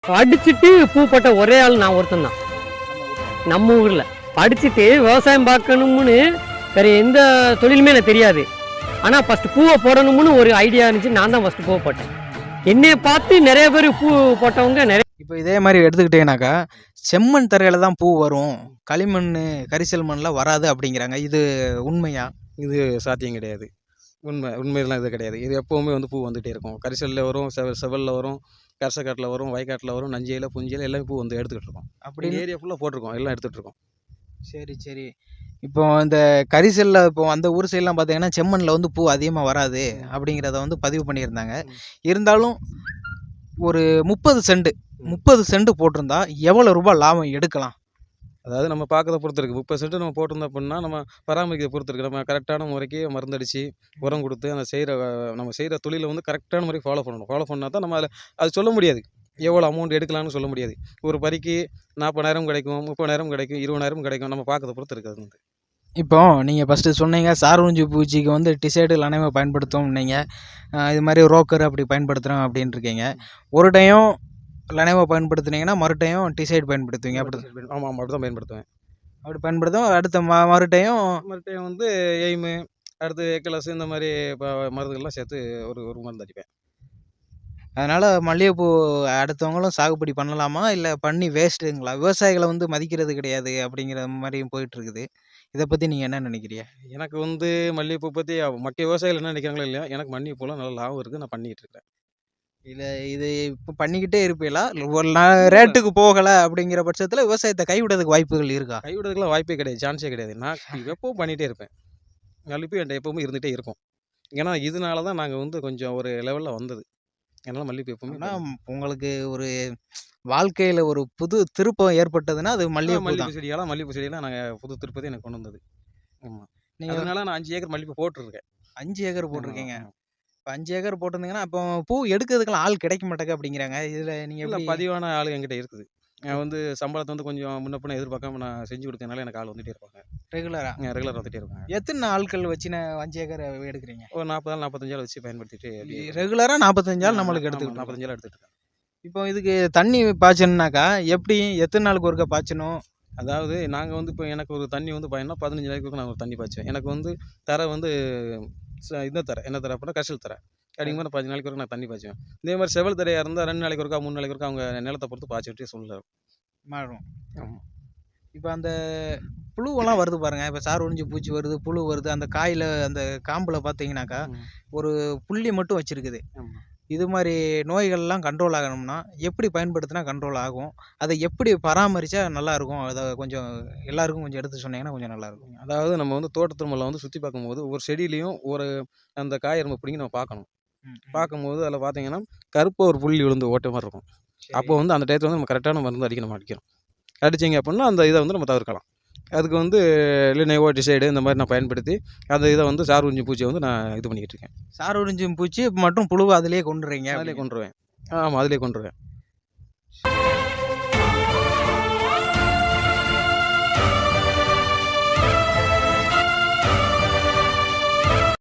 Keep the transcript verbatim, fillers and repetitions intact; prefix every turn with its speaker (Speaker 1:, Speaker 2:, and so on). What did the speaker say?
Speaker 1: படிச்சுட்டு பூ போட்ட ஒரே ஆள் நான் ஒருத்தன் தான் நம்ம ஊரில். படிச்சுட்டு விவசாயம் பார்க்கணும்னு வேற எந்த தொழிலுமே எனக்கு தெரியாது. ஆனால் ஃபஸ்ட்டு பூவை போடணும்னு ஒரு ஐடியா இருந்துச்சு. நான் தான் ஃபஸ்ட்டு பூவை போட்டேன். என்னைய பார்த்து நிறைய பேர் பூ போட்டவங்க நிறைய.
Speaker 2: இப்போ இதே மாதிரி எடுத்துக்கிட்டீங்கன்னாக்கா செம்மண் தரையில் தான் பூ வரும், களிமண் கரிசல் மண்ணில் வராது அப்படிங்கிறாங்க. இது உண்மையா?
Speaker 3: இது சாத்தியம் கிடையாது. உண்மை உண்மையெல்லாம் இது கிடையாது. இது எப்போவுமே வந்து பூ வந்துகிட்டே இருக்கும். கரிசலில் வரும், செவ செவலில் வரும், கரசக்காட்டில் வரும், வயக்காட்டில் வரும், நஞ்சையில் புஞ்சியில் எல்லாமே பூ வந்து எடுத்துக்கிட்டு இருக்கோம். அப்படி
Speaker 2: அப்படி
Speaker 3: ஏரியா ஃபுல்லாக போட்டிருக்கோம், எல்லாம் எடுத்துகிட்டு இருக்கோம்.
Speaker 2: சரி சரி. இப்போ இந்த கரிசலில் இப்போ அந்த ஊர் சைட்லாம் பார்த்தீங்கன்னா செம்மண்ணில் வந்து பூ அதிகமாக வராது அப்படிங்கிறத வந்து பதிவு பண்ணியிருந்தாங்க. இருந்தாலும் ஒரு முப்பது சென்ட் முப்பது சென்ட் போட்டிருந்தா எவ்வளோ ரூபாய் லாபம் எடுக்கலாம்?
Speaker 3: அதாவது நம்ம பார்க்கறத பொறுத்து இருக்குது. முப்பது சென்ட் நம்ம போட்டிருந்தோம் அப்படின்னா நம்ம பராமரிக்கிறத பொறுத்து இருக்குது. நம்ம கரெக்டான முறைக்கு மருந்தடிச்சு உரம் கொடுத்து அந்த செய்கிற நம்ம செய்கிற தொழிலை வந்து கரெக்டான முறைக்கு ஃபாலோ பண்ணணும். ஃபாலோ பண்ணால் தான் நம்ம அதில் அது சொல்ல முடியாது, எவ்வளோ அமௌண்ட் எடுக்கலாம்னு சொல்ல முடியாது. ஒரு பறிக்கு நாற்பதாயிரம் கிடைக்கும், முப்பதாயிரம் கிடைக்கும், இருபதாயிரம் கிடைக்கும். நம்ம பார்க்கறத பொறுத்து இருக்குது. அது வந்து
Speaker 2: இப்போ நீங்கள் ஃபஸ்ட்டு சொன்னீங்க சார்வூஞ்சி பூச்சிக்கு வந்து டிசைடு லனைவை பயன்படுத்தும் நீங்கள், இது மாதிரி ரோக்கர் அப்படி பயன்படுத்துகிறோம் அப்படின்னு இருக்கீங்க. ஒரு டைம் லனைவை பயன்படுத்துனீங்கன்னா மறு டைம் டிசைடு பயன்படுத்துவீங்க. அப்படி
Speaker 3: ஆமாம் ஆமாம் அப்படி தான் பயன்படுத்துவேன்.
Speaker 2: அப்படி பயன்படுத்தும். அடுத்த ம மறு டைம்
Speaker 3: மறுபடியும் வந்து எய்மு, அடுத்து ஏக்கலஸ், இந்த மாதிரி இப்போ மருந்துகள்லாம் சேர்த்து ஒரு ஒரு மருந்து அடிப்பேன்.
Speaker 2: அதனால் மல்லிகைப்பூ அடுத்தவங்களும் சாகுபடி பண்ணலாமா, இல்லை பண்ணி வேஸ்ட்டுங்களா? விவசாயிகளை வந்து மதிக்கிறது கிடையாது அப்படிங்கிற மாதிரியும் போயிட்டுருக்குது. இதை பற்றி நீங்கள் என்ன நினைக்கிறீங்க?
Speaker 3: எனக்கு வந்து மல்லிகைப்பூ பற்றி மற்ற விவசாயிகள் என்ன நினைக்கிறாங்களோ இல்லையா, எனக்கு மல்லிகைப்பூலாம் நல்ல லாபம் இருக்குது. நான் பண்ணிகிட்டு இருக்கேன்.
Speaker 2: இல்லை இது இப்போ பண்ணிக்கிட்டே இருப்பீங்களா? ஒரு நாள் ரேட்டுக்கு போகலை அப்படிங்கிற பட்சத்தில் விவசாயத்தை கைவிடுறதுக்கு வாய்ப்புகள் இருக்கா?
Speaker 3: கைவிடுறதுக்குலாம் வாய்ப்பே கிடையாது, சான்ஸே கிடையாது. நான் எப்பவும் பண்ணிகிட்டே இருப்பேன். மல்லிகைப்பூ என்கிட்ட எப்பவுமே இருந்துகிட்டே இருக்கும். ஏன்னா இதனால தான் நாங்கள் வந்து கொஞ்சம் ஒரு லெவலில் வந்தது. அதனால் மல்லிகைப்பூ எப்பவுமே
Speaker 2: ஆனால் உங்களுக்கு ஒரு வாழ்க்கையில் ஒரு புது திருப்பம் ஏற்பட்டதுன்னா அது மல்லிகைப்பூ தான்.
Speaker 3: மல்லிகைப்பூ செடியெல்லாம் மல்லிகைப்பூ செடியெல்லாம் நாங்கள் புது திருப்பதி எனக்கு கொண்டு வந்தது. ஆமாம்,
Speaker 2: நீங்கள்
Speaker 3: அதனால நான் அஞ்சு ஏக்கர் மல்லிகைப்பூ போட்டிருக்கேன்.
Speaker 2: அஞ்சு ஏக்கர் போட்டிருக்கீங்க. இப்போ அஞ்சு ஏக்கர் போட்டிருந்தீங்கன்னா அப்போ பூ எடுக்கிறதுக்கெல்லாம் ஆள் கிடைக்க மாட்டேங்க அப்படிங்கிறாங்க. இதில் நீங்கள்
Speaker 3: இல்லை,
Speaker 2: எப்படி?
Speaker 3: பதிவான ஆள் என்கிட்ட இருக்குது. நான் வந்து சம்பளத்தை வந்து கொஞ்சம் முன்ன பின்ன எதிர்பார்க்காம நான் செஞ்சு கொடுத்ததுனால எனக்கு ஆள் வந்துகிட்டே இருப்பாங்க.
Speaker 2: ரெகுலராக
Speaker 3: ரெகுலர் வந்துகிட்டே இருப்பாங்க.
Speaker 2: எத்தனை ஆட்கள் வச்சு நான் அஞ்சு ஏக்கர் எடுக்கிறீங்க?
Speaker 3: ஒரு நாற்பது நாள் நாற்பத்தஞ்சு ஆள் வச்சு பயன்படுத்திட்டு
Speaker 2: ரெகுலராக நாற்பத்தஞ்சு ஆள் நம்மளுக்கு எடுத்துக்கிட்டு
Speaker 3: நாற்பத்தஞ்சு ஆள் எடுத்துகிட்டு இருக்கேன்.
Speaker 2: இப்போ இதுக்கு தண்ணி பாய்ச்சணுன்னாக்கா எப்படி, எத்தனை நாளுக்கு ஒருக்கா பாய்ச்சணும்?
Speaker 3: அதாவது நாங்கள் வந்து இப்போ எனக்கு ஒரு தண்ணி வந்து பாயினா பதினஞ்சு நாளைக்கு நான் ஒரு தண்ணி பாய்ச்சேன். எனக்கு வந்து தரை வந்து ச- இந்த தரை என்ன தரை அப்படின்னா கரிசல் தரை. அப்படிங்கும்போது நான் பதினஞ்சு நாளைக்கு ஒருக்கா நான் தண்ணி பாய்ச்சுவேன். இதே மாதிரி செவல் தரையாக இருந்தால் ரெண்டு நாளைக்கு ஒருக்கா மூணு நாளைக்கு ஒருக்கா அவங்க நிலத்தை பொறுத்து பாய்ச்சிட்டே சொல்லலாம்.
Speaker 2: மாறும்.
Speaker 3: ஆமாம்.
Speaker 2: இப்போ அந்த புழுவெல்லாம் வருது பாருங்க. இப்போ சார் ஒழிஞ்சு பூச்சி வருது, புழு வருது. அந்த காயில் அந்த காம்பில் பார்த்தீங்கன்னாக்கா ஒரு புள்ளி மட்டும் வச்சிருக்குது.
Speaker 3: ஆமாம்.
Speaker 2: இது மாதிரி நோய்கள்லாம் கண்ட்ரோல் ஆகணும்னா எப்படி பயன்படுத்தினா கண்ட்ரோல் ஆகும்? அதை எப்படி பராமரித்தா நல்லாயிருக்கும்? அதை கொஞ்சம் எல்லாருக்கும் கொஞ்சம் எடுத்து சொன்னீங்கன்னா கொஞ்சம் நல்லாயிருக்கும்.
Speaker 3: அதாவது நம்ம வந்து தோட்டத்திருமலை வந்து சுற்றி பார்க்கும்போது ஒரு செடியிலையும் ஒரு அந்த காய் நம்ம பிடிங்கி நம்ம பார்க்கணும். பார்க்கும்போது அதில் பார்த்தீங்கன்னா கருப்பாக ஒரு புள்ளி விழுந்து ஓட்ட மாதிரி இருக்கும். அப்போ வந்து அந்த டயத்தில் வந்து நம்ம கரெக்டான மருந்து அடிக்கணும் அடிக்கணும். அடிச்சிங்க அப்படின்னா அந்த இதை வந்து நம்ம தவிர்க்கலாம். அதுக்கு வந்து லினோவோ டிசைடு இந்த மாதிரி நான் பயன்படுத்தி அந்த இதை வந்து சார் உறிஞ்சி பூச்சியை வந்து நான் இது பண்ணிக்கிட்டு இருக்கேன்.
Speaker 2: சார் ஒழிஞ்சும் பூச்சி மற்றும் புழுவை அதிலேயே கொண்டுறீங்க.
Speaker 3: அதிலே கொண்டுருவேன். ஆமாம், அதிலே கொண்டுருவேன்.